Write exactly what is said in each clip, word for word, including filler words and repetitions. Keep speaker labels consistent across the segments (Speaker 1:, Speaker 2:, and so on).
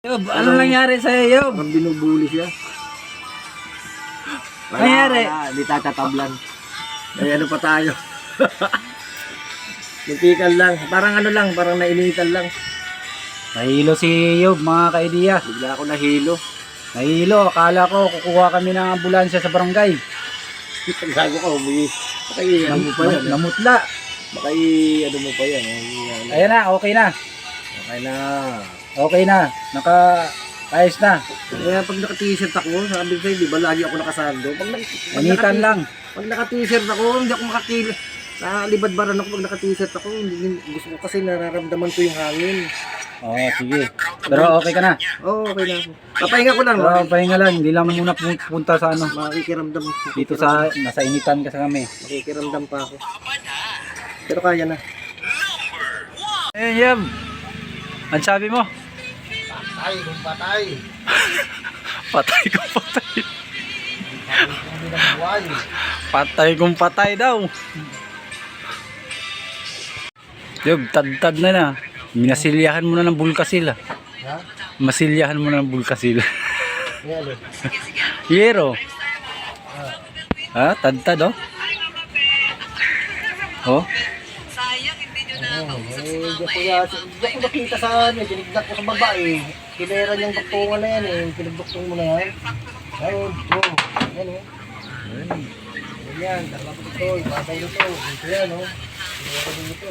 Speaker 1: Yob, ano nangyari sa'yo, Yob?
Speaker 2: Ang binubuli siya. Wala,
Speaker 1: Nangyari?
Speaker 2: wala, hindi tatatablan. Ay, ano pa tayo? Muntikan lang. Parang ano lang, parang nainitan lang.
Speaker 1: Nahilo si Yob, mga kaidiya.
Speaker 2: Bigla ako nahilo.
Speaker 1: Nahilo, akala ko kukuha kami ng ambulansya sa barangay.
Speaker 2: Gago ka, umuwi. Baka i- ano mo pa yan.
Speaker 1: Nam- namutla.
Speaker 2: Baka i- ano mo pa yan. Ay,
Speaker 1: Ayan na, okay na.
Speaker 2: okay na.
Speaker 1: Okay na. Naka, ayos na.
Speaker 2: Kaya pag naka-t-shirt ako, sabi ko sa'yo, di ba lagi ako nakasando? Pag, na, pag
Speaker 1: Initan
Speaker 2: naka-
Speaker 1: lang.
Speaker 2: Pag naka-t-shirt ako, hindi ako makakil. Nalibad-baran ako pag naka-t-shirt ako. Hindi, gusto ko kasi nararamdaman ko yung hangin.
Speaker 1: Oo, sige. Pero okay ka na.
Speaker 2: Oo, oh, okay na ako. Papahinga ko lang.
Speaker 1: Pero pahinga lang, hindi lang muna pu- punta sa ano.
Speaker 2: Makikiramdam.
Speaker 1: Dito sa, nasa initan kasi kami.
Speaker 2: Makikiramdam pa ako. Pero kaya na.
Speaker 1: Ayan, Yob. Ang sabi mo?
Speaker 2: Patay, kung patay.
Speaker 1: Patay kung patay.
Speaker 2: Hindi na buhay.
Speaker 1: Patay kung patay daw. Yob, tad-tad na na. Minasilyahan mo na ng bulkasil. ah.
Speaker 2: Ha?
Speaker 1: Masilyahan mo na ng bulkasil.
Speaker 2: Yan eh.
Speaker 1: Yero. Ha? Tad-tad oh. Oh.
Speaker 2: Oh, eh, di ko ya, di ko nakita sa ano, dinigdak ko sa babae. Kinera niyang doktungan na yan eh. Pinagdoktong mo na yan. Ayun, oh, yan eh. Yan, dalawa ko ito, ibabay nito. Ito yan, oh. Kinera ko dito.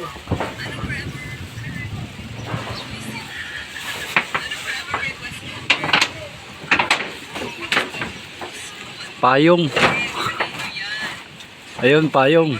Speaker 1: Payong. Ayun, payong.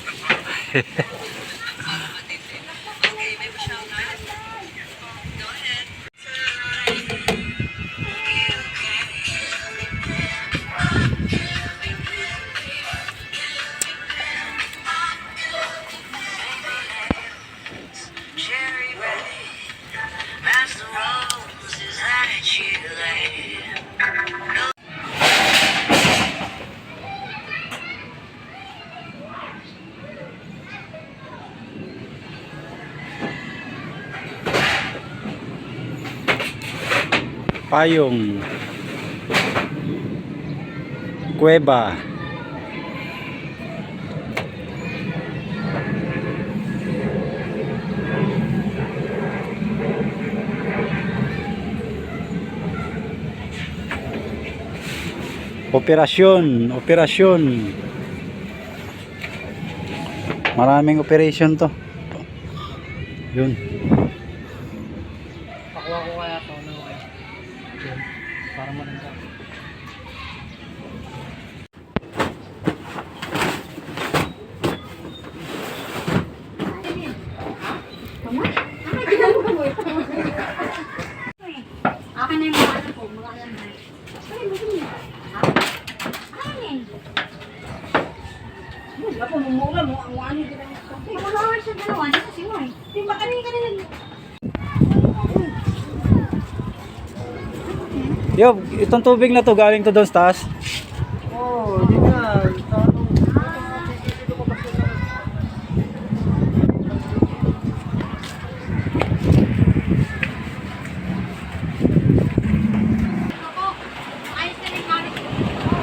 Speaker 1: Payong. Kuweba. Operasyon, operasyon. Maraming operation to. Yun.
Speaker 2: Pakuha ko kaya ito, ano kaya? Yun, para mananda.
Speaker 3: Akin na yung mga ano po, mga alam na. Ay, bakit niya? Akin.
Speaker 4: Wala po, mumura mo. Ang ano din ang ito.
Speaker 3: Ay, wala ka siya dalawa. Ano kasi mo eh?
Speaker 4: Di ba kanina ka nila?
Speaker 1: Yob, itong tubig na to galing to doon sa taas.
Speaker 2: Oh, di na. Tanong.
Speaker 3: Ako, ayos na yung gamit ko.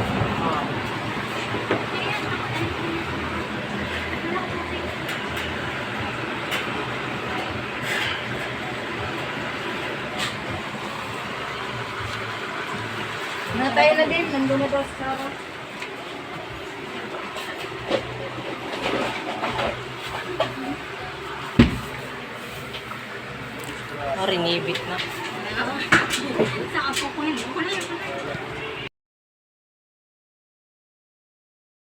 Speaker 4: Natay na din. Nandun na daw sa Sarah.
Speaker 5: Ringibit na.
Speaker 3: Sa